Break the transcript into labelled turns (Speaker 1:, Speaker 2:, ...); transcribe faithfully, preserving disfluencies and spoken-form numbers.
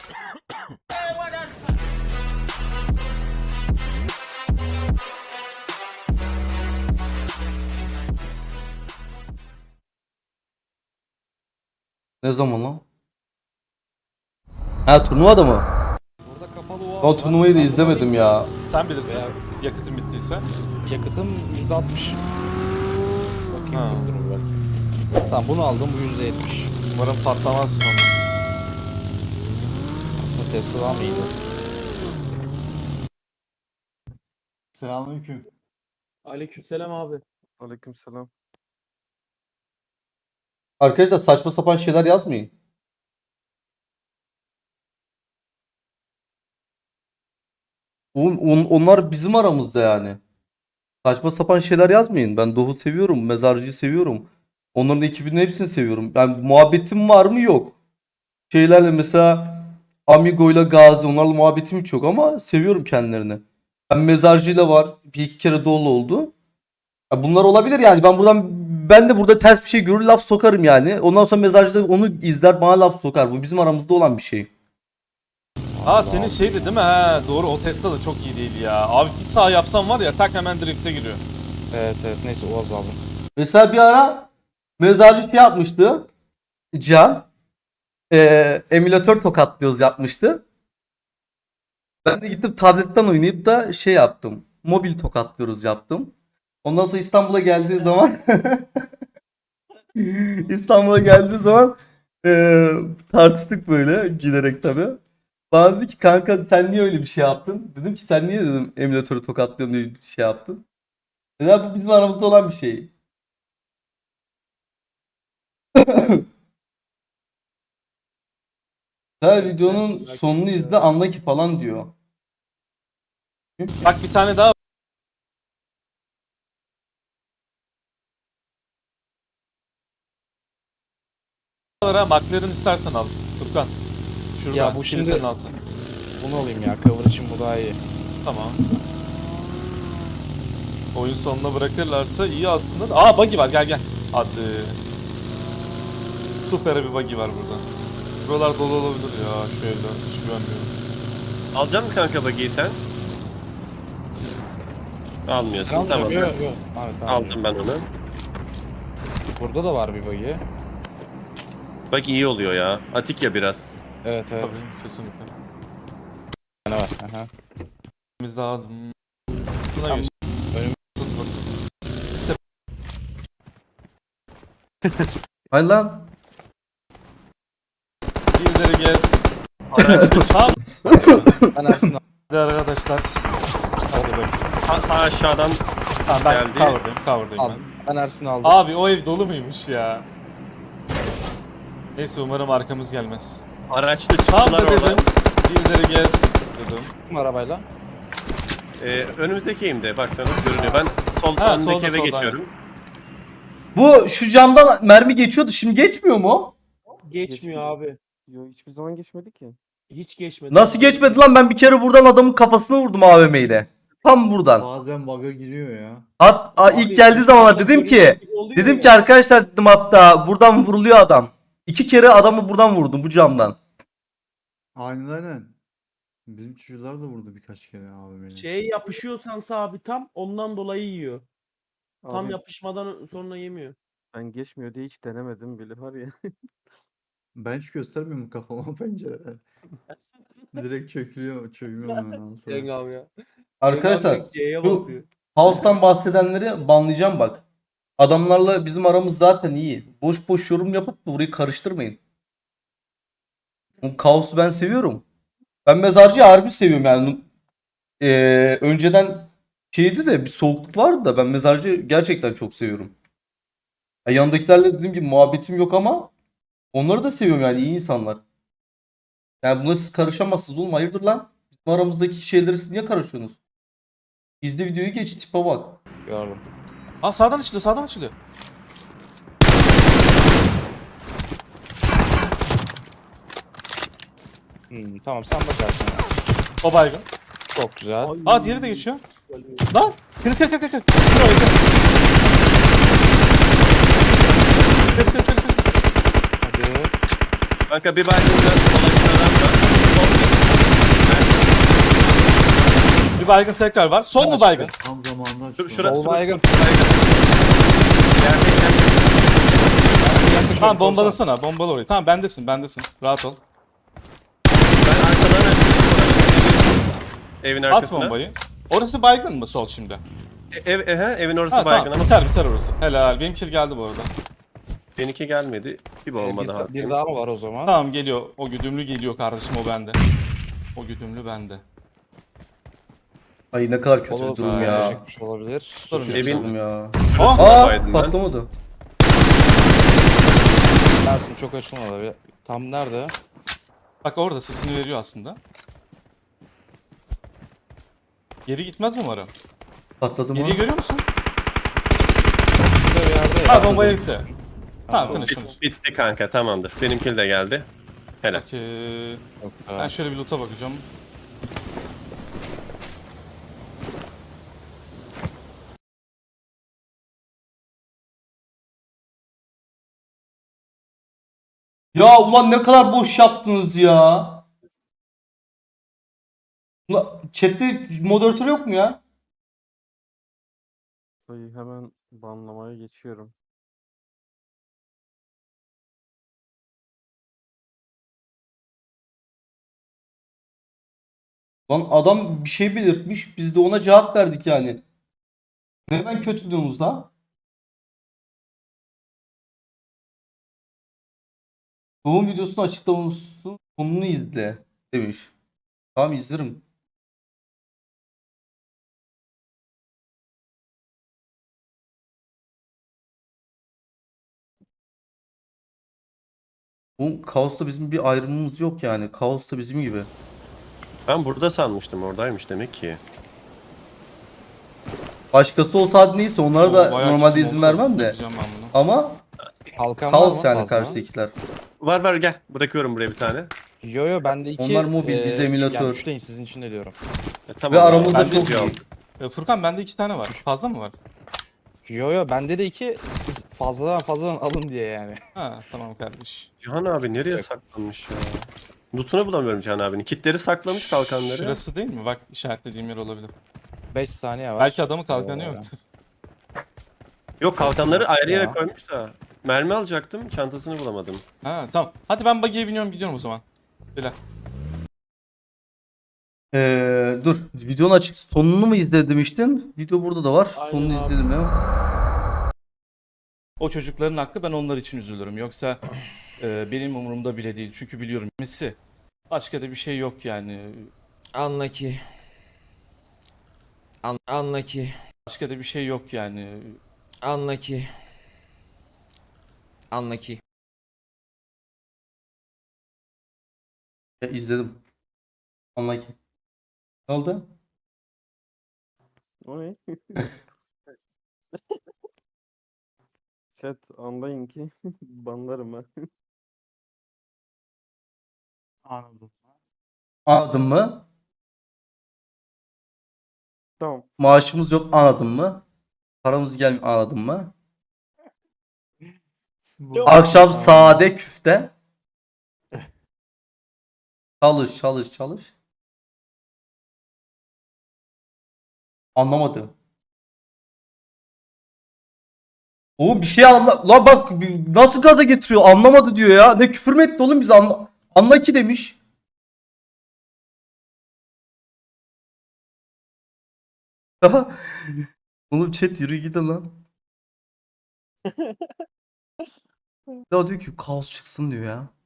Speaker 1: Ne zaman lan? Ha, turnuva da mı?
Speaker 2: Burada kapalı oğaz
Speaker 1: Ben
Speaker 2: var.
Speaker 1: turnuvayı da
Speaker 2: Ben
Speaker 1: izlemedim
Speaker 2: bunu
Speaker 1: ya.
Speaker 3: Sen bilirsin.
Speaker 2: Veya-
Speaker 3: Yakıtın bittiyse.
Speaker 2: Yakıtım yüzde altmış. Bakayım
Speaker 3: Ha.
Speaker 2: çok durur belki. Tamam bunu aldım, bu yüzde yetmiş.
Speaker 3: Umarım patlamaz sonra.
Speaker 2: Aslında Tesla daha mı iyiydi?
Speaker 4: Selamünaleyküm.
Speaker 5: Aleykümselam abi.
Speaker 3: Aleykümselam.
Speaker 1: Arkadaşlar saçma sapan şeyler yazmayın. On- on- onlar bizim aramızda yani. Saçma sapan şeyler yazmayın. Ben Doğu seviyorum. Mezarcıyı seviyorum. Onların ekibinin hepsini seviyorum. Yani muhabbetim var mı? Yok. Şeylerle mesela Amigo'yla Gazi, onlarla muhabbetim hiç yok ama seviyorum kendilerini. Ben Mezarcıyla var. Bir iki kere dolu oldu. Ya bunlar olabilir yani. Ben buradan ben de burada ters bir şey görür laf sokarım yani. Ondan sonra Mezarcı da onu izler bana laf sokar. Bu bizim aramızda olan bir şey.
Speaker 3: Ha senin şeydi değil mi? Ha doğru, o Tesla da çok iyi değil ya. Abi bir sağ yapsam var ya, tak hemen drift'e giriyor.
Speaker 2: Evet evet, neyse oğaz aldım.
Speaker 1: Mesela bir ara Mezarcı şey yapmıştı. Can. Eee emülatör tokatlıyoruz yapmıştı. Ben de gittim tabletten oynayıp da şey yaptım. Mobil tokatlıyoruz yaptım. Ondan sonra İstanbul'a geldiği zaman İstanbul'a geldiği zaman eee, tartıştık böyle gülerek tabii. Bana dedi ki kanka sen niye öyle bir şey yaptın? Dedim ki sen niye dedim emülatörü tokatlıyorum diye şey yaptın. Dedi bu bizim aramızda olan bir şey. Her videonun sonunu izle anla ki falan diyor.
Speaker 3: Bak bir tane daha var ha. McLaren istersen al. Furkan. Şurada.
Speaker 2: Ya bu şimdi-
Speaker 3: kilisenin altı.
Speaker 2: Bunu alayım ya, cover için bu daha iyi.
Speaker 3: Tamam. Oyun sonuna bırakırlarsa iyi aslında. Aa buggy var, gel gel. Hadi. Süper bir buggy var burada. Buralar dolu olabilir ya, şöyle hiç güvenmiyorum.
Speaker 6: Alacak mısın kanka bagiyi sen? Almıyorsun,
Speaker 2: Aldım,
Speaker 6: tamam.
Speaker 2: yok yok. Evet, tamam.
Speaker 6: Aldım ben onu.
Speaker 2: Burada da var bir bug'i.
Speaker 6: Bak iyi oluyor ya. Atik ya biraz.
Speaker 2: Evet evet.
Speaker 3: Tabii kesinlikle.
Speaker 2: Ne var? Aha.
Speaker 3: Biz daha az. Buna
Speaker 2: Tamam.
Speaker 3: geç.
Speaker 2: Önüm-
Speaker 3: Tut bak. İşte
Speaker 1: Hayır lan.
Speaker 3: birileri gez.
Speaker 6: Araç
Speaker 3: Tamam.
Speaker 2: Ben Ersin
Speaker 3: Hadi arkadaşlar. Hadi bakayım.
Speaker 6: sağ, sağ aşağıdan
Speaker 3: Tamam ben
Speaker 6: Geldi.
Speaker 3: cover'dayım, cover'dayım ben.
Speaker 2: aldım. Ben Ersin aldım.
Speaker 3: Abi o ev dolu muymuş ya? Neyse umarım arkamız gelmez.
Speaker 6: araçlı
Speaker 3: Tam
Speaker 6: çıktılar
Speaker 3: da dedim.
Speaker 6: oradan.
Speaker 3: Birileri gez dedim.
Speaker 2: Kim arabayla?
Speaker 6: Ee, önümüzdeki eğimde baksanız görünüyor. Ben sol
Speaker 3: Ha,
Speaker 6: önündeki
Speaker 3: solda,
Speaker 6: eve
Speaker 3: solda,
Speaker 6: geçiyorum.
Speaker 1: Bu şu camdan mermi geçiyordu. Şimdi geçmiyor mu?
Speaker 5: Geçmiyor abi.
Speaker 7: Yo hiçbir zaman geçmedi ki.
Speaker 5: Hiç geçmedi.
Speaker 1: Nasıl geçmedi lan? Ben bir kere buradan adamın kafasına vurdum A V M ile. Tam buradan.
Speaker 4: Bazen bug'a giriyor ya.
Speaker 1: Hat a, ilk geldiği zaman dedim ki dedim ki arkadaşlar dedim hatta buradan vuruluyor adam. İki kere adamı buradan vurdum bu camdan.
Speaker 4: Aynen aynen. Bizim çocuklar da vurdu birkaç kere abi beni.
Speaker 5: Şey yapışıyorsan abi tam ondan dolayı yiyor. Tam
Speaker 7: Abi,
Speaker 5: yapışmadan sonra yemiyor.
Speaker 7: ben geçmiyor diye hiç denemedim bile var ya.
Speaker 4: Ben hiç göstermiyorum kafama pencereden. Direkt çökülüyor, çöküyorum hemen altına.
Speaker 5: Cenk abi ya.
Speaker 1: Arkadaşlar
Speaker 5: Cenk abi C'ye
Speaker 1: bu-
Speaker 5: basıyor.
Speaker 1: House'tan bahsedenleri banlayacağım bak. Adamlarla bizim aramız zaten iyi. Boş boş yorum yapıp da burayı karıştırmayın. Bu kaosu ben seviyorum. Ben mezarcıyı harbi seviyorum yani. Ee, önceden şeydi de bir soğukluk vardı da ben mezarcı gerçekten çok seviyorum. Ya yanındakilerle dediğim gibi muhabbetim yok ama onları da seviyorum yani iyi insanlar. Yani buna siz karışamazsınız oğlum hayırdır lan? Bizim aramızdaki şeyleri siz niye karışıyorsunuz? İzle videoyu geç tipe bak.
Speaker 2: Gördüm.
Speaker 3: Aa sağdan açılıyor, sağdan açılıyor.
Speaker 2: Hmm, tamam sen bakarsın.
Speaker 3: O baygın.
Speaker 2: Çok güzel.
Speaker 3: Aa diğeri de geçiyor. Lan! Kır kır kır kır kır. Kır orayı kır. Kır kır kır kır.
Speaker 2: Hadi.
Speaker 6: Kanka bir baygın da sol aşağıdan da
Speaker 3: Bir baygın tekrar var. Sol mu baygın?
Speaker 4: Tam zamanında açtım.
Speaker 6: Dur, şurası-
Speaker 2: Sol baygın.
Speaker 6: Gerçekten
Speaker 2: Yaklaşıyorum,
Speaker 3: Tamam
Speaker 2: korsan.
Speaker 3: bombalasana. Bombala orayı. Tamam bendesin bendesin. Rahat ol.
Speaker 6: ben arkadan açtım. Evin
Speaker 3: At
Speaker 6: arkasına.
Speaker 3: bombayı. Orası baygın mı sol şimdi?
Speaker 6: E- Ev, ehe, evin orası
Speaker 3: Ha
Speaker 6: baygın
Speaker 3: tamam
Speaker 6: ama
Speaker 3: biter biter orası. Helal. Benim kill geldi bu arada.
Speaker 6: benimki gelmedi. Bir
Speaker 2: Ee,
Speaker 6: bomba daha.
Speaker 2: bir, bir daha mı var o zaman?
Speaker 3: Tamam geliyor. O güdümlü geliyor kardeşim o bende. O güdümlü bende.
Speaker 1: Ay ne kadar kötü
Speaker 2: Olur,
Speaker 1: bir durum ya.
Speaker 2: çekmiş olabilir.
Speaker 3: Sorun yok.
Speaker 6: Evin-
Speaker 1: Durum ya.
Speaker 6: Şurasına
Speaker 1: Aa
Speaker 6: baydım ben.
Speaker 1: patlamadı.
Speaker 2: Dersin çok açma olabilir. Tam nerede?
Speaker 3: Bak orada sesini veriyor aslında. Geri gitmez umarım.
Speaker 1: Patladı mı?
Speaker 3: Geriyi görüyor musun?
Speaker 2: Burada bir yerde ya.
Speaker 3: Ha bombaya gitti. Tamam finish
Speaker 6: Bit-
Speaker 3: finish.
Speaker 6: bitti kanka, tamamdır. Benimki de geldi. Helal.
Speaker 3: Okey.
Speaker 2: Yok,
Speaker 3: Ben
Speaker 2: ha.
Speaker 3: şöyle bir loot'a bakacağım.
Speaker 1: Ya ulan ne kadar boş yaptınız ya. Ulan chatte moderatör yok mu ya?
Speaker 7: Dayı hemen banlamaya geçiyorum.
Speaker 1: Lan adam bir şey belirtmiş. Biz de ona cevap verdik yani. Neden kötü diyorsunuz lan? Doğum videosunu açıklaması sonunu izle demiş. Tamam izlerim. Bu Kaos'ta bizim bir ayrımımız yok yani. Kaos'ta bizim gibi.
Speaker 6: Ben burada sanmıştım, oradaymış demek ki.
Speaker 1: Başkası olsa hadi neyse onlara
Speaker 3: Oo,
Speaker 1: da
Speaker 3: bayağı
Speaker 1: normalde
Speaker 3: çizim
Speaker 1: izin
Speaker 3: oldu.
Speaker 1: vermem de.
Speaker 3: Yapacağım ben bunu.
Speaker 1: Ama
Speaker 2: Kalkan var mı
Speaker 1: Kaos yani
Speaker 2: fazla?
Speaker 1: karşıdakiler.
Speaker 6: Var var, gel. Bırakıyorum buraya bir tane.
Speaker 2: Yo yo bende iki.
Speaker 1: Onlar mobil, biz emülatör.
Speaker 2: Yani üç değil sizin için de diyorum.
Speaker 6: E, tamam.
Speaker 1: Ve aramızda
Speaker 6: Ben de
Speaker 1: çok
Speaker 6: diyorum.
Speaker 1: iyi.
Speaker 3: Ee, Furkan bende iki tane var. Fazla mı var?
Speaker 2: Yo yo bende de iki. Siz fazladan fazladan alın diye yani.
Speaker 3: Ha tamam kardeş.
Speaker 6: Cihan abi nereye saklanmış ya? Loot'unu bulamıyorum Cihan abinin. Kitleri saklamış, kalkanları.
Speaker 3: Şurası değil mi? Bak işaretlediğim yer olabilir.
Speaker 2: beş saniye var.
Speaker 3: Belki adamın kalkanı
Speaker 2: Oo.
Speaker 3: yoktur.
Speaker 6: Yok, kalkanları ayrı yere
Speaker 2: Ya.
Speaker 6: koymuş da. Mermi alacaktım, çantasını bulamadım.
Speaker 3: Ha tamam. Hadi ben buggy'e biniyorum gidiyorum o zaman. Böyle.
Speaker 1: Ee, dur. Videonun açık sonunu mu izle demiştin? Video burada da var.
Speaker 5: Aynen
Speaker 1: Sonunu
Speaker 5: abi.
Speaker 1: izledim ya.
Speaker 3: O çocukların hakkı ben onlar için üzülürüm. Yoksa e, benim umurumda bile değil. Çünkü biliyorum kimisi. Başka da bir şey yok yani.
Speaker 8: Anla ki. An anla ki.
Speaker 3: Başka da bir şey yok yani.
Speaker 8: Anla ki. Anla ki.
Speaker 1: Ya, izledim. Anla ki. Ne oldu?
Speaker 7: O ne? Chat anlayın ki banlarım ben.
Speaker 5: Anladım.
Speaker 1: Anladın mı?
Speaker 7: Tamam.
Speaker 1: Maaşımız yok anladın mı? Paramız gelmiyor anladın mı? Akşam sade küfte. Çalış çalış çalış. Anlamadı. Oğlum bir şey anla... La bak bir- nasıl gaza getiriyor anlamadı diyor ya. Ne küfür mü etti oğlum biz anla... Anla ki demiş. Oğlum chat yürü gidin lan. Ya diyor ki kaos çıksın diyor ya.